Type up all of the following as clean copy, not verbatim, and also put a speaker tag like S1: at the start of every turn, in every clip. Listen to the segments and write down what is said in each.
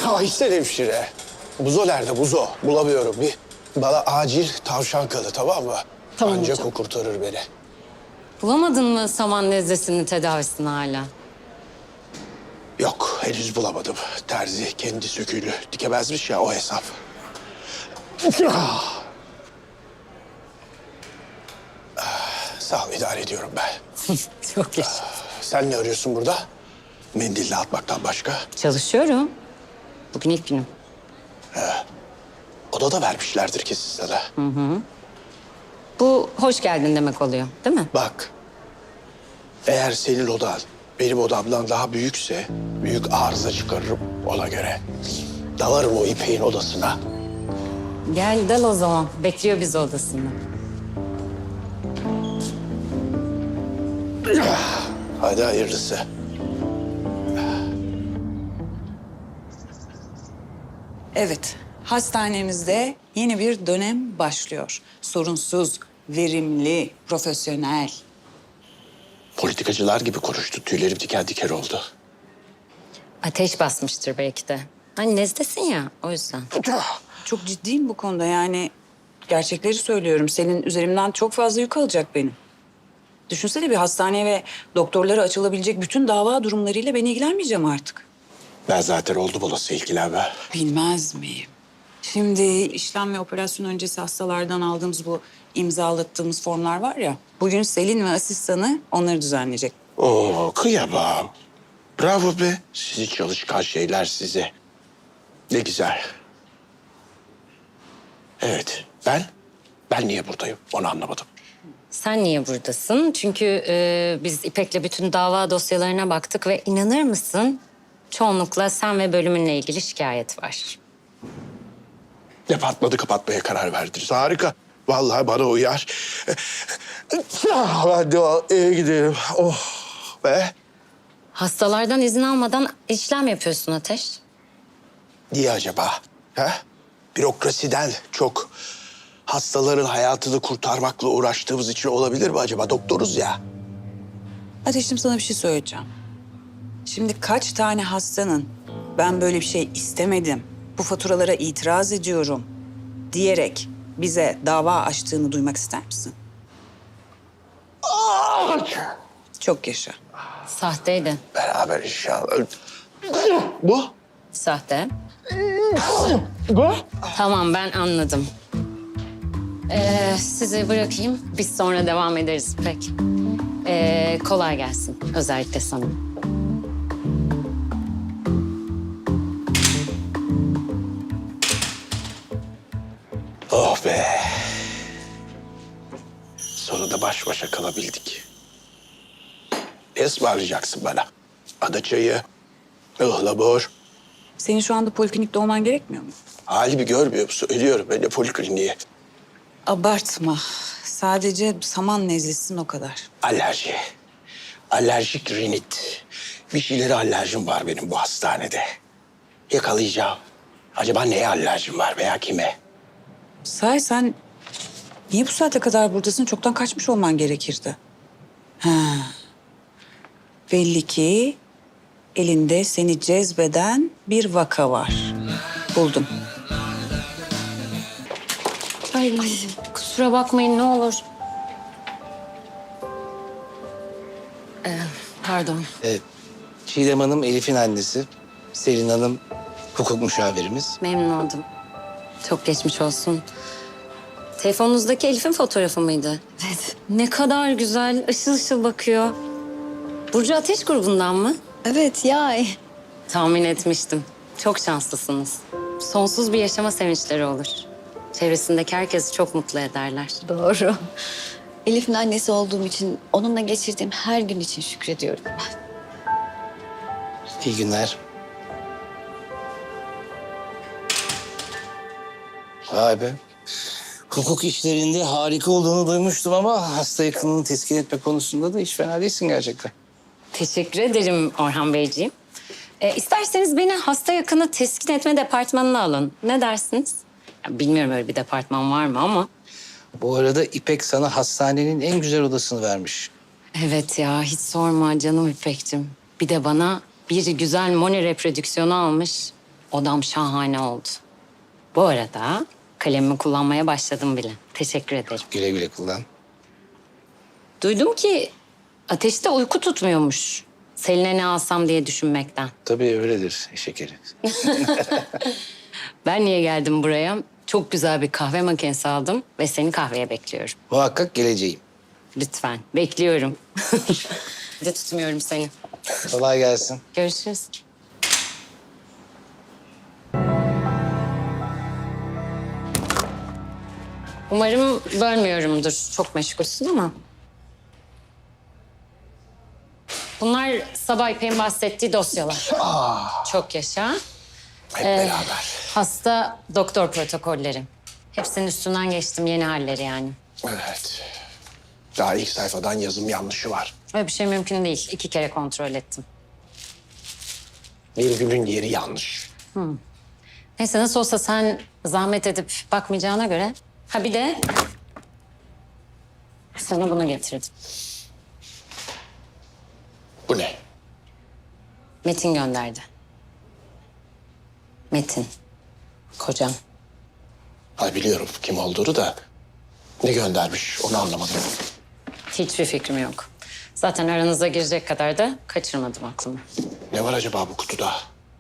S1: Aysel hemşire. Buzo nerede Buzo? Bulamıyorum. Bana acil tavşan kanı, tamam mı?
S2: Tamam
S1: Ancak
S2: hocam.
S1: o kurtarır beni.
S2: Bulamadın mı saman nezlesinin tedavisini hala?
S1: Yok, henüz bulamadım. Terzi kendi söküğünü dikemezmiş ya, o hesap. Sağ ol, idare ediyorum ben.
S2: Çok yaşa.
S1: Sen ne arıyorsun burada? Mendille atmaktan başka.
S2: Çalışıyorum. Bugün ilk günüm.
S1: Odada vermişlerdir kesin sana.
S2: Bu hoş geldin demek oluyor, değil mi?
S1: Bak, eğer senin odan benim odamdan daha büyükse büyük arıza çıkarırım ona göre. Dalarım o İpek'in odasına.
S2: Gel dal o zaman. Bekliyor bizi odasında.
S1: Hadi hayırlısı.
S3: Evet, hastanemizde yeni bir dönem başlıyor. Sorunsuz, verimli, profesyonel.
S1: Politikacılar gibi konuştu. Tüylerim diken diken oldu.
S2: Ateş basmıştır belki de. Hani nezlesin ya, o yüzden.
S3: Çok ciddiyim bu konuda yani. Gerçekleri söylüyorum. Senin üzerimden çok fazla yük alacak benim. Düşünsene bir hastaneye ve doktorlara açılabilecek bütün dava durumlarıyla ben ilgilenmeyeceğim artık.
S1: Ben zaten oldum olası ilgilenme.
S3: Bilmez miyim? Şimdi işlem ve operasyon öncesi hastalardan aldığımız bu imzalattığımız formlar var ya. Bugün Selin ve asistanı onları düzenleyecek.
S1: Oo, kıyamam. Bravo be. Sizi çalışkan şeyler size. Ne güzel. Evet, ben niye buradayım onu anlamadım.
S2: Sen niye buradasın? Çünkü biz İpek'le bütün dava dosyalarına baktık ve inanır mısın? Çoğunlukla sen ve bölümünle ilgili şikayet var.
S1: Departmanı kapatmaya karar verdiniz. Harika. Vallahi bana uyar. Ben de eve gidelim. Oh be.
S2: Hastalardan izin almadan işlem yapıyorsun Ateş.
S1: Niye acaba? Ha? Bürokrasiden çok hastaların hayatını kurtarmakla uğraştığımız için olabilir mi acaba? Doktoruz ya.
S3: Ateşim sana bir şey söyleyeceğim. Şimdi kaç tane hastanın ben böyle bir şey istemedim, bu faturalara itiraz ediyorum diyerek bize dava açtığını duymak ister misin? Çok yaşa.
S2: Sahteydi.
S1: Beraber inşallah. Bu?
S2: Sahte.
S1: Bu?
S2: Tamam ben anladım. Sizi bırakayım. Biz sonra devam ederiz İpek. Kolay gelsin. Özellikle sana.
S1: Oh be. Sonunda baş başa kalabildik. Ne ısmarlayacaksın bana? Ada çayı, ıhlamur.
S3: Senin şu anda poliklinikte olman gerekmiyor mu?
S1: Halimi görmüyor musun? Ölüyorum ben de polikliniğe.
S3: Abartma. Sadece saman nezlesin o kadar.
S1: Alerji. Alerjik rinit. Bir şeylere alerjim var benim bu hastanede. Yakalayacağım. Acaba neye alerjim var veya kime?
S3: Sahi sen niye bu saate kadar buradasın? Çoktan kaçmış olman gerekirdi. Ha. Belli ki elinde seni cezbeden bir vaka var. Buldum.
S2: Ay kusura bakmayın ne olur. Pardon.
S4: Çiğdem Hanım Elif'in annesi. Selin Hanım hukuk müşavirimiz.
S2: Memnun oldum. Çok geçmiş olsun. Telefonunuzdaki Elif'in fotoğrafı mıydı? Evet. Ne kadar güzel, ışıl ışıl bakıyor. Burcu Ateş grubundan mı?
S5: Evet ya.
S2: Tahmin etmiştim. Çok şanslısınız. Sonsuz bir yaşama sevinçleri olur. Çevresindeki herkesi çok mutlu ederler.
S5: Doğru. Elif'in annesi olduğum için, onunla geçirdiğim her gün için şükrediyorum.
S4: İyi günler. Vay be. Hukuk işlerinde harika olduğunu duymuştum ama hasta yakınını teskin etme konusunda da hiç fena değilsin gerçekten.
S2: Teşekkür ederim Orhan Beyciğim. İsterseniz beni hasta yakını teskin etme departmanına alın. Ne dersiniz? Ya, bilmiyorum öyle bir departman var mı ama.
S4: Bu arada İpek sana hastanenin en güzel odasını vermiş.
S2: Evet ya hiç sorma canım İpek'cim. Bir de bana bir güzel moni reprodüksiyonu almış. Odam şahane oldu. Bu arada kalemimi kullanmaya başladım bile. Teşekkür ederim.
S4: Güle güle kullan.
S2: Duydum ki Ateş'te uyku tutmuyormuş. Selin'e ne alsam diye düşünmekten.
S4: Tabii öyledir şekeri.
S2: Ben niye geldim buraya? Çok güzel bir kahve makinesi aldım ve seni kahveye bekliyorum.
S4: Muhakkak geleceğim.
S2: Lütfen, bekliyorum. Hadi tutmuyorum seni.
S4: Kolay gelsin.
S2: Görüşürüz. Umarım bölmüyorumdur. Çok meşgulsün ama. Bunlar sabah İpek'in bahsettiği dosyalar. Çok yaşa.
S1: Hep beraber.
S2: Hasta doktor protokolleri. Hepsinin üstünden geçtim, yeni halleri yani.
S1: Evet. Daha ilk sayfadan yazım yanlışı var.
S2: Öyle bir şey mümkün değil. 2 kere kontrol ettim.
S1: Virgülün yeri yanlış.
S2: Neyse nasıl olsa sen zahmet edip bakmayacağına göre. Ha bir de sana bunu getirdim.
S1: Bu ne?
S2: Metin gönderdi. Metin. Kocam.
S1: Ha, biliyorum kim olduğunu da ne göndermiş onu anlamadım.
S2: Hiçbir fikrim yok. Zaten aranıza girecek kadar da kaçırmadım aklımı.
S1: Ne var acaba bu kutuda?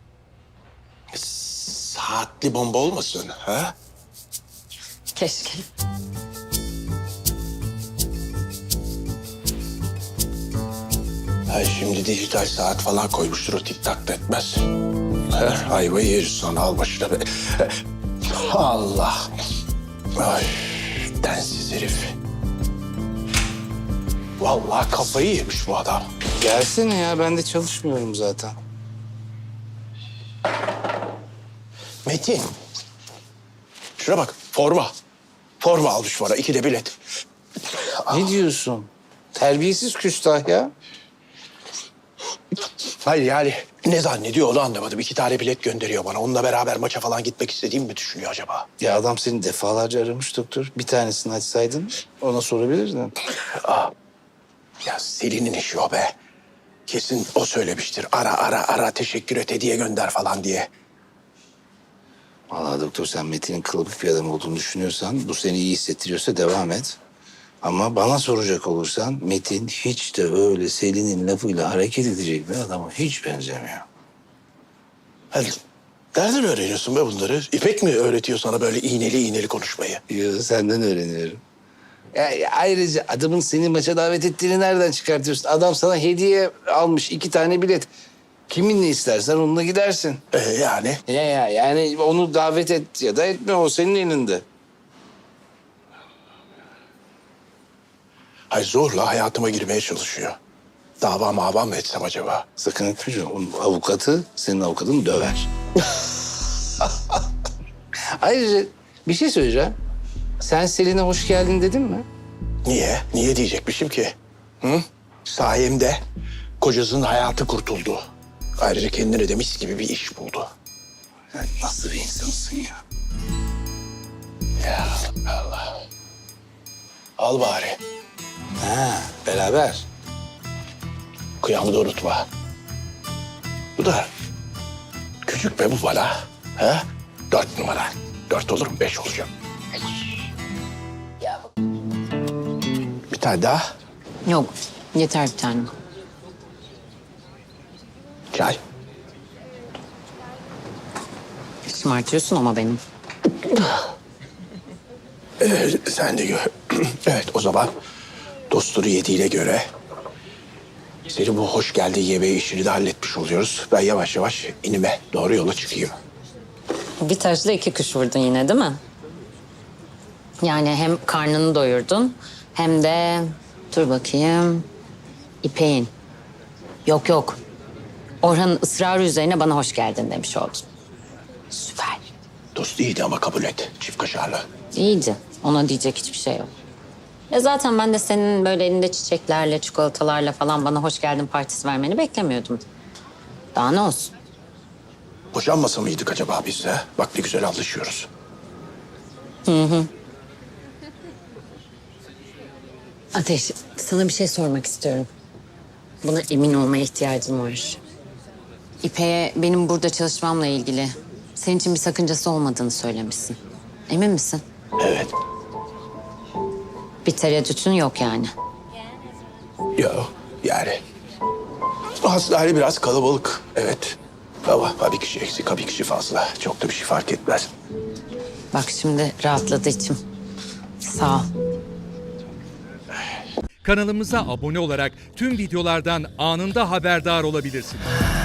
S1: Saatli bomba olmasın ha?
S2: Keşke.
S1: Ha, şimdi dijital saat falan koymuştur o tik tak da etmez. Ha, ayvayı yeriz sonra al başına be. Allah. Ay, densiz herif. Vallahi kafayı yemiş bu adam.
S4: Gelsene ya, ben de çalışmıyorum zaten.
S1: Metin. Şuna bak forma. Forma almış bana 2 de bilet.
S4: Ne diyorsun? Terbiyesiz küstah ya.
S1: Hayır yani ne zannediyor onu anlamadım. 2 tane bilet gönderiyor bana. Onunla beraber maça falan gitmek istediğimi mi düşünüyor acaba?
S4: Ya adam seni defalarca aramış doktor. Bir tanesini açsaydın ona sorabilirdin.
S1: Ya Selin'in işi o be. Kesin o söylemiştir. Ara teşekkür et hediye gönder falan diye.
S4: Vallahi doktor, sen Metin'in kılıbık bir adam olduğunu düşünüyorsan, bu seni iyi hissettiriyorsa devam et. Ama bana soracak olursan Metin hiç de öyle Selin'in lafıyla hareket edecek bir adama hiç benzemiyor.
S1: Hadi. Nereden öğreniyorsun be bunları? İpek mi öğretiyor sana böyle iğneli konuşmayı?
S4: Yo, senden öğreniyorum. Ya, ayrıca adamın seni maça davet ettiğini nereden çıkartıyorsun? Adam sana hediye almış 2 tane bilet. Kiminle istersen onunla gidersin.
S1: Yani
S4: Ya yani onu davet et ya da etme, o senin elinde.
S1: hay zorla hayatıma girmeye çalışıyor. Dava mava mı etsem acaba?
S4: Sakın etme canım. Onun avukatı senin avukatını döver. Ayrıca bir şey söyleyeceğim. Sen Selin'e hoş geldin dedin mi?
S1: Niye? Niye diyecekmişim ki? Hı? Sayemde kocasının hayatı kurtuldu. Ayrıca kendine de mis gibi bir iş buldu.
S4: Sen nasıl bir insansın ya?
S1: Ya Allah. Al bari.
S4: Ha, beraber.
S1: Kıyamı da unutma. Bu da küçük be bu bana. Ha? 4 numara. 4 olur mu? 5 olacağım. Bir tane daha.
S2: Yok, yeter bir tane.
S1: Çay.
S2: Şımartıyorsun ama benim.
S1: Sen de gör. Evet o zaman dostları yediğine göre senin bu hoş geldiği yemeği işini de halletmiş oluyoruz. Ben yavaş yavaş inime doğru yola çıkayım.
S2: Bir taşla 2 kuş vurdun yine değil mi? Yani hem karnını doyurdun hem de dur bakayım İpek'in. Yok. Orhan'ın ısrarı üzerine bana hoş geldin demiş oldun. Süper.
S1: Dost iyiydi ama kabul et. Çift kaşarlı.
S2: İyiydi. Ona diyecek hiçbir şey yok. Zaten ben de senin böyle elinde çiçeklerle, çikolatalarla falan bana hoş geldin partisi vermeni beklemiyordum. Daha ne olsun?
S1: Boşanmasa mıydık acaba biz de? Bak ne güzel anlaşıyoruz.
S2: Ateş, sana bir şey sormak istiyorum. Buna emin olmaya ihtiyacım var. İpek'e benim burada çalışmamla ilgili Senin için bir sakıncası olmadığını söylemişsin. Emin misin?
S1: Evet.
S2: Bir tereddütün yok yani.
S1: Yok yani. Hastane biraz kalabalık. Evet. Ama bir kişi eksik, bir kişi fazla. Çok da bir şey fark etmez.
S2: Bak şimdi rahatladı içim. Sağ ol.
S6: Kanalımıza abone olarak tüm videolardan anında haberdar olabilirsiniz.